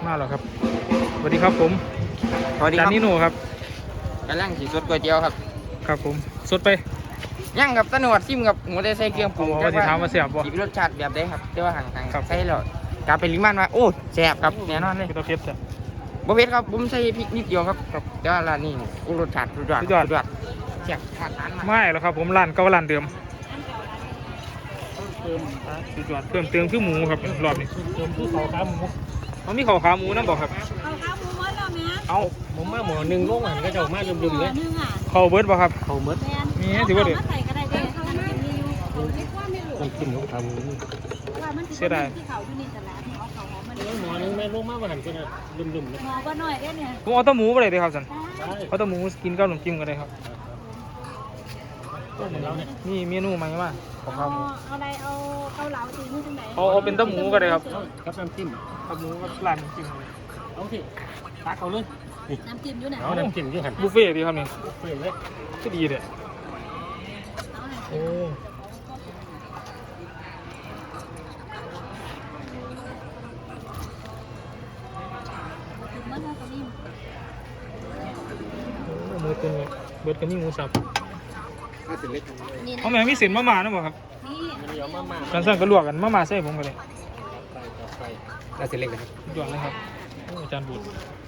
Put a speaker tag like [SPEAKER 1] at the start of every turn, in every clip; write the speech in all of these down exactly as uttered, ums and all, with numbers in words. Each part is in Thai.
[SPEAKER 1] มาแล้วครับสวัสดีครับผม
[SPEAKER 2] สวัสดีค
[SPEAKER 1] จา
[SPEAKER 2] รั
[SPEAKER 1] น
[SPEAKER 2] บ
[SPEAKER 1] นิโน่ครับ
[SPEAKER 2] กำลังสีสดก๋วยเตี๋ยวครับ
[SPEAKER 1] ครับผมสดไป
[SPEAKER 2] ย่างกับตะหนวดซิมกับหมูได้ใส่เครื่องปรุง
[SPEAKER 1] อ๋อว่าสิถามว่าแซ่บบ่
[SPEAKER 2] สีรสชาติแบบใดครับแต่ว่าห่าง
[SPEAKER 1] ครับ
[SPEAKER 2] ๆใส่แล้วกลับไปลิมันว่าโอ้แซ่บครับแน่นอนเลย
[SPEAKER 1] คือตัวเผ็ดจ้ะ
[SPEAKER 2] บ่เผ็ดครับผมใส่พริกนิดเดียวครับ
[SPEAKER 1] ครับ
[SPEAKER 2] แต่ว่าร้านนี้โอ้รสชาติสุดยอด
[SPEAKER 1] สุดยอด
[SPEAKER 2] สุดยอดแซ่บขาดทานมาก
[SPEAKER 1] ไม่แล้วครับผมร้านเก่าร้านเดิมสุดยอดเพิ่มเติมคือหมูครับรอบนี้
[SPEAKER 3] เติมที่เขาขาหมู
[SPEAKER 1] มันมีข้าวขาหมูนั่นบอกครับ
[SPEAKER 4] เอาข้าวหมูมดแล้วแม่
[SPEAKER 1] เอา
[SPEAKER 3] ผมมาหมอหนึ่งโลกหันก็จะมาลืมๆเลย
[SPEAKER 4] นึ่งอ่ะ
[SPEAKER 1] ข้าวเบิร์ดบ่ครับ
[SPEAKER 3] เขาเมด
[SPEAKER 4] แม่
[SPEAKER 1] มีให้ถือว่าเด็ด
[SPEAKER 4] มาใส่ก็ได้เด้ข้าวมันมีอยู่ไม่ว่าไม่รู้
[SPEAKER 3] น้ำจิ้มของขาหมู
[SPEAKER 4] ว่ามันที่เขาอยู่นี่ตลาดเอาเขาหอมมัน
[SPEAKER 3] หมอหนึ่งแม่โลกมาหันก็จะลืมๆเลย
[SPEAKER 4] หมอก็หน่อยได้เนี่ย
[SPEAKER 1] ผมเอาแตะหมูไปเลยดีครับสัน
[SPEAKER 3] ใช่
[SPEAKER 1] เอาแตะหมูกินกับขนมจิ้มกันเลยครับ
[SPEAKER 3] ก็ของเราเนี่ย
[SPEAKER 1] นี่เมนูใหม่มาของข้าวหมู
[SPEAKER 4] เอาอะไรเอาเกาเหลาตีนี่ตรงไหน
[SPEAKER 1] เอาเอาเป็นแตะหมูกันเลยครับ
[SPEAKER 3] กับน้ำจิ้ม
[SPEAKER 1] แตะหมูกับร้านน้ำจิ้มเลย
[SPEAKER 3] เอาสิตักเอาเลย
[SPEAKER 4] น้ำจิ้มอยู่ไหน
[SPEAKER 3] เอาน้ำจิ้มที่หัน
[SPEAKER 1] บุฟเฟ่ต์ดีครับนี่
[SPEAKER 3] เปลี่ยนเลย
[SPEAKER 1] ก็ดีเลย
[SPEAKER 4] เอาไหน
[SPEAKER 1] โอ้
[SPEAKER 4] จิ้มมันแล้วก็นี่
[SPEAKER 1] หมูตัวนี้เบิร์ดกันนี่หมูสับ
[SPEAKER 3] ถ้าเสร็จเล็ก
[SPEAKER 4] นี่นะ
[SPEAKER 1] เอาแม่งมีเส้นมะม่านะบ่ครับ
[SPEAKER 4] นี่
[SPEAKER 3] มันเดี๋ยวมามา
[SPEAKER 1] กันสั่งก็ลวกกันมะม่าใส่ผมกันเลย
[SPEAKER 3] ไปต่อไปถ้าเสร็จเล็กนะครับ
[SPEAKER 1] สุดยอดเลยครับโอ้อาจารย์บุตร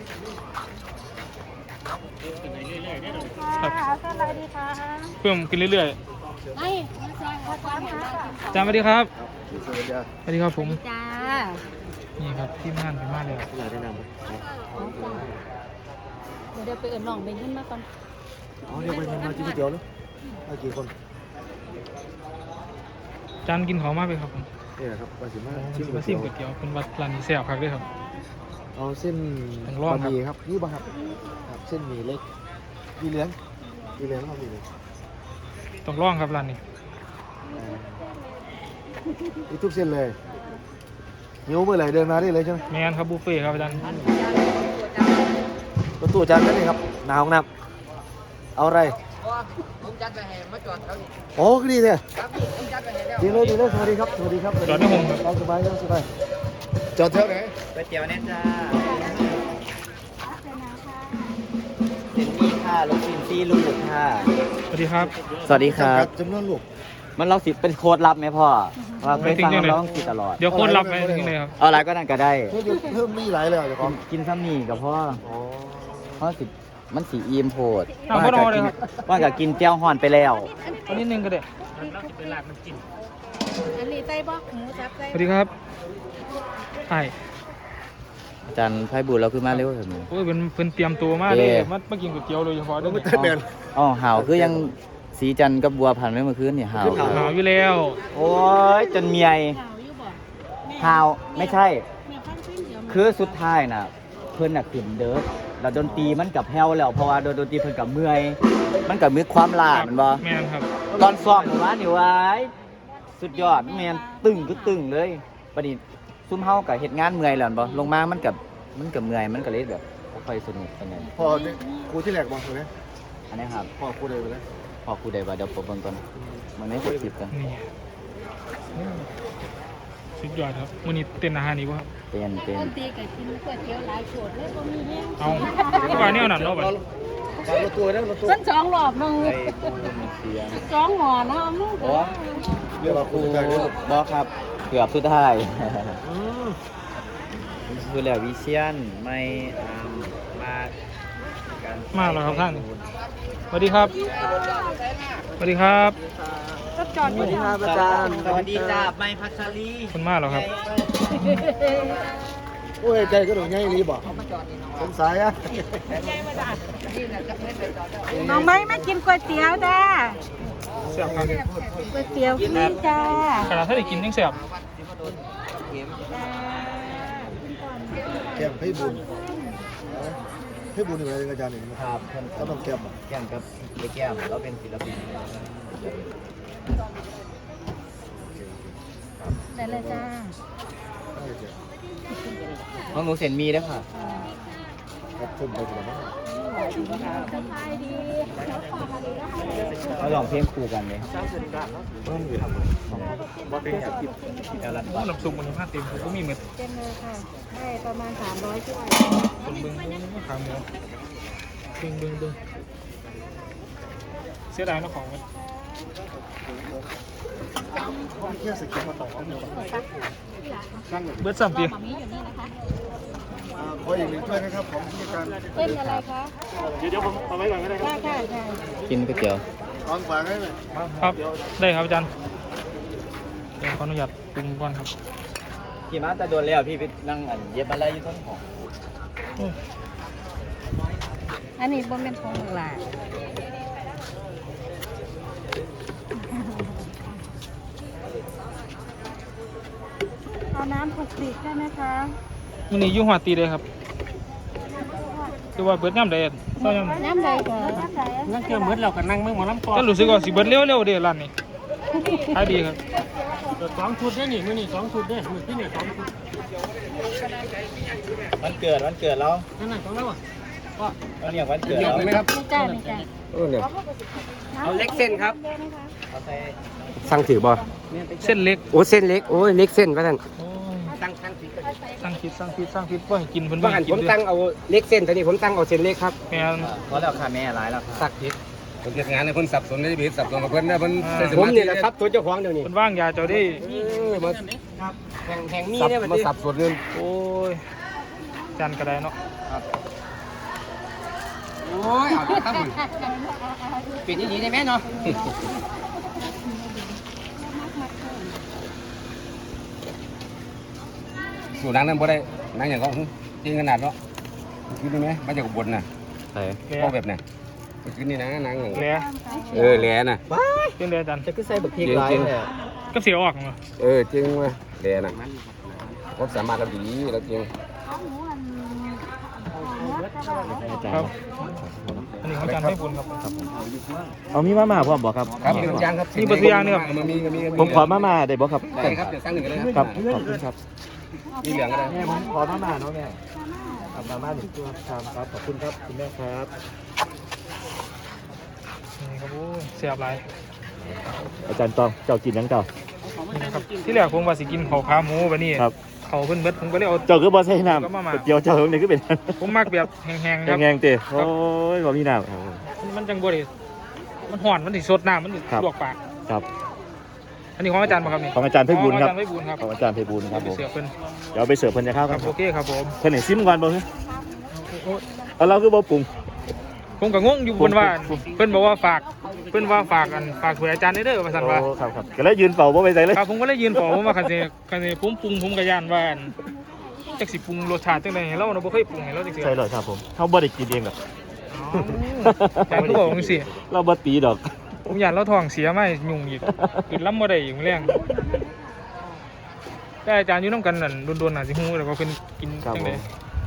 [SPEAKER 3] เป็นเรื่อยๆเนี่ยเรา
[SPEAKER 1] ครับ
[SPEAKER 4] เอาเท่าไรดีคะ
[SPEAKER 1] เพิ่มกินเรื่อย
[SPEAKER 4] ไม่ไม่ใช่ค่ะความค่ะ
[SPEAKER 1] ๆอาจารย์สวัสดีครับสวัสดีครับผม
[SPEAKER 4] จ้า
[SPEAKER 1] นี่ครับทีมงานเป็นมาเลยครับ
[SPEAKER 3] เราแนะนำ
[SPEAKER 4] เดี๋ยวไปเอิญน้องไปขึ้นมาก่อน
[SPEAKER 3] อ๋อเดี๋ยวไปมากินก๋วยเตี๋ยวแล้วเอากี่คน
[SPEAKER 1] อาจารย์กินของมากเลยครับผม
[SPEAKER 3] นี่แหละครับมาสิมา
[SPEAKER 1] โอ้
[SPEAKER 3] ชิม
[SPEAKER 1] มา
[SPEAKER 3] ก๋วย
[SPEAKER 1] ซิ
[SPEAKER 3] เตี๋
[SPEAKER 1] ม
[SPEAKER 3] ยว
[SPEAKER 1] ก๋วยเตี๋ยวเป็นวัดร้านนี้แซ่บครับด้วยครับ
[SPEAKER 3] เอาเส้น
[SPEAKER 1] ต้องลองครับ
[SPEAKER 3] บะหมี่ครับนี่ป่ะครับครับเส้นหมี่เล็กมีเหลืองมีเหลืองครับมีเหลือง
[SPEAKER 1] ต้องลองครับร้านนี้
[SPEAKER 3] มีทุกเส้นเลยหิวเมื่อไหร่เดินมาได้เลยใช่ไหม
[SPEAKER 1] แมนครับบุฟเฟ่ต์ครับอาจารย์
[SPEAKER 3] รถตู้จานนั่นเองครับหนาห้องน้ำเอาอะไร
[SPEAKER 2] ผมจัดไปให้มาจอดเขานี่
[SPEAKER 3] โอ้ก็ดีเลย
[SPEAKER 2] ครับพี่ผมจัดไปให้แล้ว
[SPEAKER 3] ดีเลยดีเลยสวัสดีครับสวัสดีครับ
[SPEAKER 1] จอดในห้องครับ
[SPEAKER 3] ตามสบายตามสบายจอดแถวไหน
[SPEAKER 2] ก๋วยเตี๋ยวแน่จ้า
[SPEAKER 5] เจนนี่ค่ะลูกชิ้นซี่ลูกค่ะ
[SPEAKER 1] สวัสดีครับ
[SPEAKER 5] สวัสดีครับ
[SPEAKER 3] จำนวนลูก
[SPEAKER 5] มันเราสิเป็นโค้ดลับไหมพ่อว่าเคยฟังเราร้องสิตลอด
[SPEAKER 1] เดี๋ยวคนรับไปที่ไหนครับ
[SPEAKER 5] เอาอะไรก็นั่นก็ได้
[SPEAKER 3] เพิ่มเพิ่มมีหลายเลยเหรอเดี๋ยวก่อน
[SPEAKER 5] กินซ้ำนี่กับพ่อ
[SPEAKER 3] อ๋อ
[SPEAKER 5] พ่อสิมันสีอีมโพด
[SPEAKER 1] เอา
[SPEAKER 5] ว่า
[SPEAKER 1] พ่อ
[SPEAKER 5] จะ
[SPEAKER 1] เอาเลย
[SPEAKER 5] กิน
[SPEAKER 1] ครับ
[SPEAKER 5] ว่าจะกินเจ้าห่อนไปแล้ว
[SPEAKER 1] เอานิดนึงก็ได้
[SPEAKER 3] เราจะเป็นลาบน้ำจิ้ม
[SPEAKER 4] อันนี้ไส้บอกหมูสับไส้
[SPEAKER 1] สวัสดีครับใช่
[SPEAKER 5] อาจารย์ไพบุญเราคือมาเร็วเถอะหนู
[SPEAKER 1] โอ้ยเป็นเป็นเตรียมตัวมาเลย
[SPEAKER 5] เอ๊ะ
[SPEAKER 1] มามากินก๋วยเตี๋ยวโดยเฉพาะเด้อ
[SPEAKER 3] ไม่
[SPEAKER 1] นี่
[SPEAKER 3] ใช่แบน
[SPEAKER 5] อ๋อห่าวคือยังสีจันทร์กับบัวพันธุ์ไม่เมื่อคืนนี่ห่าว
[SPEAKER 3] ขึ้น
[SPEAKER 1] หนาวอยู่แล้ว
[SPEAKER 5] โอ้ยจนเมีย
[SPEAKER 4] ขาวอยู่บ่
[SPEAKER 5] ห่าวไม่ใช่
[SPEAKER 4] แม่ฟังเส้นเดียว
[SPEAKER 5] คือสุดท้ายน่ะ เพิ่นน่ะขึ้นเด้อแล้วดนตรีมันกับแผ่วแล้วเพราะว่าโดนดนตรีเพิ่นกับเมื่อย มันกับมีความลาแมันบ่
[SPEAKER 1] แมนครับ
[SPEAKER 5] ตอนซ้อมเมื่อวานนี่วายสุดยอดแม่นตึงก็ตึงเลยประดิซุ่มเฮากับเฮ็ดงานเมื่อยแล้วแม่นบ่ลงมามันกับมันกับเมื่อยมันก็เลยแบบบ่ค่อยสนุกปานใด
[SPEAKER 3] พอเนี่ยครูที่แหลกบอกเลย
[SPEAKER 5] อันนี้ครับ
[SPEAKER 3] พ่อครูเลยไปแล้ว
[SPEAKER 5] พอครูได้ว่าเดี๋ยวผมเบิ่งก่อนมันไม่ครบคลิปกัน
[SPEAKER 1] นี่สุดยอดครับวันนี้เต้นอาหารนี้ป่ะครับ
[SPEAKER 5] เป็นเป็น
[SPEAKER 4] ต้นตีกับกินก๋วยเตี๋ยวหลายโฉดเลยบ่มีแห้ง
[SPEAKER 1] เอาว่าเนี่ยนั่นเนาะบัด
[SPEAKER 3] การรถตัวนะรถตัว
[SPEAKER 4] ส้นสองหลอบนึง
[SPEAKER 5] ไอ้เสียง
[SPEAKER 4] สองหมอนะมึง
[SPEAKER 5] โอ้
[SPEAKER 3] เรียกว่าครูใจด้วย
[SPEAKER 5] บ่ครับเกือบสุดท้าย คือแล้ววิเชียนไม่อามมากัน
[SPEAKER 1] มาแล้วครับท่านสวัสดีครับสวัสดีครับ
[SPEAKER 4] ก็จอดอยู่ทาง
[SPEAKER 5] อาจารย์สวัสดีจ้าไม่พัชรี
[SPEAKER 1] คุณมาแล้วครับ
[SPEAKER 3] โอ้ยใจก็โดนง่ายรีบอกสงสัยอ่ะ
[SPEAKER 4] น้องไม้มากินก๋วยเตี๋ยวจ้า
[SPEAKER 1] แซ่บครับ
[SPEAKER 4] ก๋วยเตี๋ยวฟรีจ้า
[SPEAKER 1] ขนาดถ้าได้กินยังแซ่บ
[SPEAKER 3] แก้มให้บุญให้บุญหนึ่งอะไรอาจารย์หนึ่ง
[SPEAKER 5] ครับเพิ่น
[SPEAKER 3] ก็ต้องแก้ม
[SPEAKER 5] แก้มกับไอ้แก้มเราเป็นศิลปิน
[SPEAKER 4] ได้เลยจ้า
[SPEAKER 5] ของหนูเส้นมีเด้อค่ะ
[SPEAKER 3] ครับขึ้นไปถึงแล้ว
[SPEAKER 4] สบายดีเขาฝากอะไรก็ให้
[SPEAKER 5] เขาลองเพลงคู่กันเลย
[SPEAKER 1] ว่าเป็นอย่างน้ำซุปมันผ้าเต็มผมก็มีเม็ด
[SPEAKER 4] เต็มเลยค่ะได้ประมาณสามร้อยถ้วย
[SPEAKER 1] คนเบิ้งเบิ้งขาหมูเบิ้งเบิ้งเบิ้งเสียดายนะของมัน
[SPEAKER 3] แค่สกิปมาต่อเอาหมด
[SPEAKER 1] เบิร์ดสามปี
[SPEAKER 4] หมามีอยู่นี่นะคะ
[SPEAKER 3] ขออีกหนึ่งถ้วยนะครับของผู้จัดการ
[SPEAKER 4] เส้นอะไรคะเดี๋ยวเดี๋ยวผมเอาไว้ก่อนก็ได้ครับได้ค่ะ
[SPEAKER 5] กินก๋วยเตี๋ยว
[SPEAKER 3] วางฝากให้ไหม
[SPEAKER 1] ครับได้ครับอาจารย์เดี๋ยวขออนุญาตปรุงก่อนครับ
[SPEAKER 5] พี่มาแต่โดนแล้วพี่ไปนั่งอันเย็บอะไรอยู่ต้นหอม
[SPEAKER 4] อันนี้บนเป็นของหลานเอาน้ำผุกติกได้ไหมคะ
[SPEAKER 1] มันนี่ยุ่งหัวตีเลยครับคือว่าเบิร์ดย่ำใดอะก็ย่ำ
[SPEAKER 4] น้ำใดก่อนน้ำใด
[SPEAKER 2] นั่งเกี่ยวมืดเรากันนั่งมึงหมอลำก่อน
[SPEAKER 1] ก็รู้สึกว่าสิเบิร์ดเร็วเร็วๆเด้ร้านนี้ขายดีครับ
[SPEAKER 2] สองชุดได้หนิมือนี่สองชุดได้มือที่นี่สองชุด
[SPEAKER 5] วันเกิดวันเกิดเรา
[SPEAKER 2] นั่นน่ะของเราอ่ะ
[SPEAKER 5] วันเนี้ยวันเกิดเรา
[SPEAKER 2] ไหมครับ
[SPEAKER 4] ไม่จ้าไม่จ้า
[SPEAKER 2] เออเนี่ยเอาเล็กเส้นครับ
[SPEAKER 5] เขาใส่
[SPEAKER 6] สั่งถือบ่
[SPEAKER 1] เส้นเล็ก
[SPEAKER 6] โอ้เส้นเล็กโอ้ยเล็กเส้นว่าท่าน
[SPEAKER 1] โอ้ย
[SPEAKER 2] ตั้งตั้งผิด
[SPEAKER 1] สร้างคิดสร้างคิดสร้างคิดว่าให้กินเพิ่น
[SPEAKER 6] ว่า
[SPEAKER 1] ว่า
[SPEAKER 6] หั
[SPEAKER 1] ให้
[SPEAKER 6] น
[SPEAKER 1] กิ
[SPEAKER 6] ผ
[SPEAKER 1] น
[SPEAKER 6] ม
[SPEAKER 1] ด้วย
[SPEAKER 6] ตั้งเอาเล็กเส้นตอนนี้ผมตั้งเอาเส้นเล็กครับ
[SPEAKER 1] แม่น
[SPEAKER 5] เพราะแล้วค่ะแม่หลายแล้วครับ
[SPEAKER 6] สักผิด
[SPEAKER 3] คนเก็บงานในคนสับสนในชีวิตสับสนกับเพื่อนนะเพื่อน
[SPEAKER 6] ผมนี่แหละครับตัวเจ้าของเดี๋ยวนี้
[SPEAKER 1] เพิ่นว่างยาเจ้าได้
[SPEAKER 6] มา
[SPEAKER 2] แห่งแห่งมี
[SPEAKER 6] สับ
[SPEAKER 2] เนี่ยมัน
[SPEAKER 6] มาสับสนเงิน
[SPEAKER 1] โอ้ยจานกระไดเนาะ
[SPEAKER 2] โอ้ยเอาครับมึงปิดอย่างนี้ได้ไหมเนาะ
[SPEAKER 3] สูนั่งนั่นบ่ได้นั่งอย่างก็จริงขนาดเนาะคิดได้ไหมมาจากอุบลน่ะ
[SPEAKER 6] ใช่
[SPEAKER 1] แหล่
[SPEAKER 3] พ่อแบบน่ะคิดนี่นะนั่งอย่าง
[SPEAKER 1] แหล่
[SPEAKER 3] เออแหล่น่ะ
[SPEAKER 1] เป็นเดือนจัน
[SPEAKER 5] จะขึ้นใส่บักพริกหลายเลย
[SPEAKER 1] ก็เสียออกเนาะ
[SPEAKER 3] เออจริงเว้ยแหล่น่ะผมสามารถทำดีแล้วจริง
[SPEAKER 1] ครับอันนี้ของอาจารย์ให้บุญครับ
[SPEAKER 6] เอามีมาม่าพร้อมบ่ครับ
[SPEAKER 3] ครับมีอย่างครับ
[SPEAKER 1] มีบทตัวอย่างเนี่ยครับ
[SPEAKER 3] มีมีมี
[SPEAKER 6] ผมขอมาม่าได้บ่ครับ
[SPEAKER 3] ได้ครับเดี๋ยวสั่งหนึ่งกันเลย
[SPEAKER 6] ค
[SPEAKER 3] ค
[SPEAKER 6] รั
[SPEAKER 3] รั
[SPEAKER 6] บบ ขอบคุณครับ
[SPEAKER 3] มีเหลืองก็ได้
[SPEAKER 6] แม่ผมขอมาม่าเนาะแม่เอามาม่าหนึ่งตัวครับครับขอบคุณครับคุณแม่ครับ
[SPEAKER 1] นี่ครับโอ้ยเสียบหลาย
[SPEAKER 6] อาจารย์ตองเจ้ากินยังเจ้า
[SPEAKER 1] นี่นะครับที่แรกผมว่าสิกินข้าวขาหมูบัดนี้
[SPEAKER 6] ครับ
[SPEAKER 1] เขาเพิ่นเบิดผมก็เลยเอา
[SPEAKER 6] เจ้าคือบ่ใส่น้
[SPEAKER 1] ก็มาม่า
[SPEAKER 6] ำเจียวเจ้าเนี่ยคือเป็น
[SPEAKER 1] ผมมักแบบแห้งๆครับ
[SPEAKER 6] แงงๆเตะโอ้ยบ่มีน้ำโอ้ย
[SPEAKER 1] มันจังบ่ได้มันห่อนมันสิสดน้ำมันสิ
[SPEAKER 6] ครับ
[SPEAKER 1] ลวกปาก
[SPEAKER 6] ครับ
[SPEAKER 1] อันนี้ของอาจารย์ป่ะครับนี่
[SPEAKER 6] ของอาจารย์ไพบูลย์ครับ
[SPEAKER 1] ของอาจารย์ไพบูลย์ครับ
[SPEAKER 6] ของอาจารย์ไพบูลย์ครับผม
[SPEAKER 1] เสือเพิ่น
[SPEAKER 6] เดี๋ยวไปเสิร์ฟเพิ่นจะเข้า
[SPEAKER 1] ค
[SPEAKER 6] ค
[SPEAKER 1] รั
[SPEAKER 6] รั
[SPEAKER 1] บบ โอเคครับผม
[SPEAKER 6] เพิ่นให้ซิมก่อนบ่ฮะ
[SPEAKER 1] โอ้ย
[SPEAKER 6] เอาเราคือบ่ปรุง
[SPEAKER 1] ผมก็งงอยู่เพิ่นว่าเพิ่นบอกว่าฝากเพิ่นว่าฝากกันฝากถวยอาจารย์ได้เด้อว่าซั่นว่า
[SPEAKER 6] โอ้ครับครับก็เลยยืนเฝ้าบ่ไปใส่เลย
[SPEAKER 1] ครับผมก็เลยยืนขอผมว่าคันสิคันสิผมปรุงผมก็ย่านว่าอั่นจักสิปรุงรสชาติจังได๋ให้เราเนาะบ่เคยปรุงให้เราจักเทื่อ
[SPEAKER 6] ใช่เลยครับผมเขาบ่ได้กินเองหรอก
[SPEAKER 1] แต่ก็บอกจังซี่
[SPEAKER 6] เราบ่ตีดอก
[SPEAKER 1] ผมย่านเราท้องเสียมายุ่งอีกกินล้ำบ่ได้อีกมื้อแรงแต่อาจารย์อยู่นำกันนั่นโดนๆน่ะสิฮู้แล้วว่าเพิ่นกิน
[SPEAKER 6] ครับ
[SPEAKER 1] จัง
[SPEAKER 6] ผ
[SPEAKER 1] ได๋
[SPEAKER 6] ม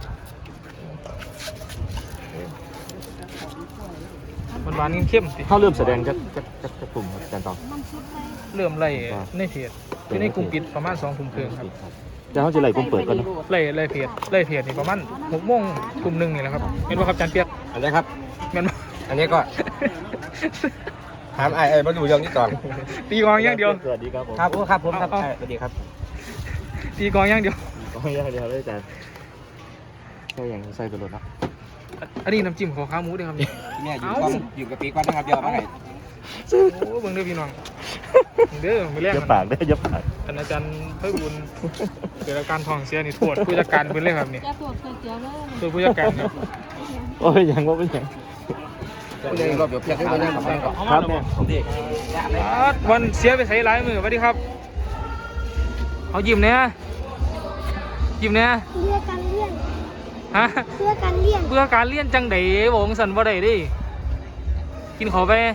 [SPEAKER 1] มันหวานๆเข้มๆสิ
[SPEAKER 6] เขาเริ่มแสดงจากจากจากจากกลุ่มครับอาจารย์ตอง
[SPEAKER 1] เริ่มไล่ในเพจอยู่ในกลุ่มปิดประมาณสองทุ่มครึ่งครับ
[SPEAKER 6] เดี๋ยวเขาจะไล่กลุ่มเปิดก่อนเนาะ
[SPEAKER 1] ไล่ไล่เพจไล่เพจนี่ประมาณหกโมงกลุ่มหนึ่งนี่แหละครับเห็นว่าครับอาจารย์เปียก
[SPEAKER 3] อันนี้ครับ
[SPEAKER 1] แม่นบ่
[SPEAKER 3] อันนี้ก็ถามไอ้ไอ้มาดูเรื่องนี้ก่อน
[SPEAKER 1] ตีกลองอย่างเดียว
[SPEAKER 6] สวัสดีครับผม
[SPEAKER 3] ครับโอ้ครับผมครับ
[SPEAKER 1] เอาเอา
[SPEAKER 3] สวัสดีครับ
[SPEAKER 1] ตีกลองอย่างเดียว
[SPEAKER 6] โอ้ยเดี๋ยวเลยอาจารย์ใช่ยังใส่ตัวรถเนาะ
[SPEAKER 1] อันนี้น้ำจิ้มขอขาหมูด้วยครับนี่
[SPEAKER 3] เนี่ยอยู่กล้องอยู่กับปีกว่านะครับเดี๋ยวเอามาให้
[SPEAKER 1] โอ้เบิ่งเด้อพี่น้องเด้อมื้อแรก
[SPEAKER 6] เยอะปากได้อเยอะปาก
[SPEAKER 1] ท่านอาจารย์ไพบุญเกิดอาการท้องเสียนี่โทษผู้จัดการเพิ่นเลยครับนี่
[SPEAKER 4] จะปวดเจียวเลย
[SPEAKER 1] โทษผู้จัดการครับ
[SPEAKER 6] โอ้ยยังว่าเป็นยัง
[SPEAKER 3] เดี๋ยวรอบเดี๋ยวเพียงให้มานั่งกับแม่ก่อน
[SPEAKER 6] ครับแม่
[SPEAKER 1] อ่าวันเสียไปใส่หลายมื้อสวัสดีครับเอายิ้มแหน่ยิ้มแหน่
[SPEAKER 4] เพื่อการเลี่ยน
[SPEAKER 1] ฮะ
[SPEAKER 4] เพื่อการเลี่ยน
[SPEAKER 1] เพื่อการเรียนจังไดบอกจังซั่นบ่ได้เดิกินข้าวไป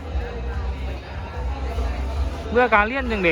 [SPEAKER 1] เพื่อการเรียนจังได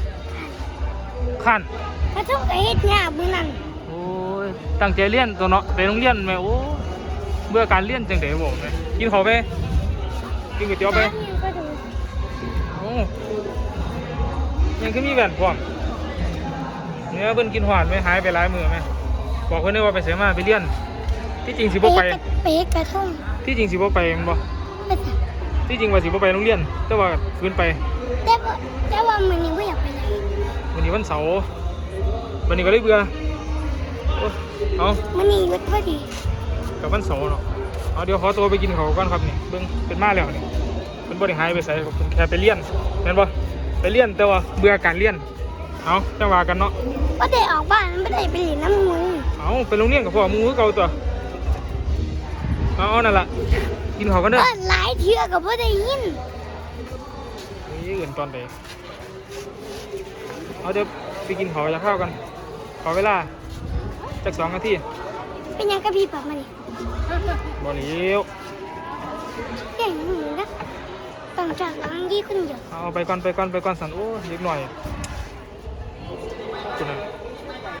[SPEAKER 1] ขั้น
[SPEAKER 4] ถ้าต้องไปเฮ็ดงานมื้อนั้น
[SPEAKER 1] โอ้ยตั้งใจเรียนตัวเนาะไปโรงเรียนแม่โอ้เบื่อการเรียนจังไดบอกเลยกินข้าวไปกินก๋วยเตี๋ยวไป
[SPEAKER 4] น้ำยังก็ดู
[SPEAKER 1] โอ้ยังคือมีแว่นพร้อมเนี่ยเพิ่นกินหวานไหมหายไปหลายมื้อไหมบอกเพิ่นได้ว่าไปไสมาไปเรียนที่จริงสิบ่ไป
[SPEAKER 7] เป๊กกระทง
[SPEAKER 1] ที่จริงสิบ่ไปแม่นบ่
[SPEAKER 7] ไปจ้ะ
[SPEAKER 1] ที่จริงว่าสิบ่ไปโรงเรียน แต่ว่าคืนไป
[SPEAKER 7] แต่ว่าแต่ว่ามันนี่ไม่อยากไปไหน
[SPEAKER 1] วันนี้วันเสาร์วันนี้ก็เลยเบื่อโอ๊ยเอา
[SPEAKER 7] มันนี่ยุดพอดี
[SPEAKER 1] กับวันเสาร์เนาะเอาเดี๋ยวขอตัวไปกินข้าวก่อนครับนี่เบิ่งเป็นมาแล้วนี่เป็นบ่ได้หายไปไสครับเป็นแค่ไปเรียนแม่นบ่ไปเรียนแต่ว่าเบื่อการเรียนเอาจังว่ากันเนาะ
[SPEAKER 7] ไม่ได้ออกบ้านไม่ได้ไปเล่นน้ำมือ
[SPEAKER 1] เอาไปโรงเรียนกับพ่อหมูคือเก่าตัวเอาเอานั่นล่ะกินข้าวกันเด้อ
[SPEAKER 7] เปิดหลายเทื่อกับไม่ได้ยิน
[SPEAKER 1] นี่อื่นตอนใดเอาเดี๋ยวไปกินข้าวจะข้าวกันขอเวลาจักสองนาที
[SPEAKER 7] เป็นยังกระพี่ปับมาดิ
[SPEAKER 1] บ่เหลียว
[SPEAKER 7] เก่งหนูนะต้องจากหลังยี่คนเดียว
[SPEAKER 1] เอาไปก่อนไปก่อนไปก่อนสันโอ้เล็กหน่อยคุณน่ะ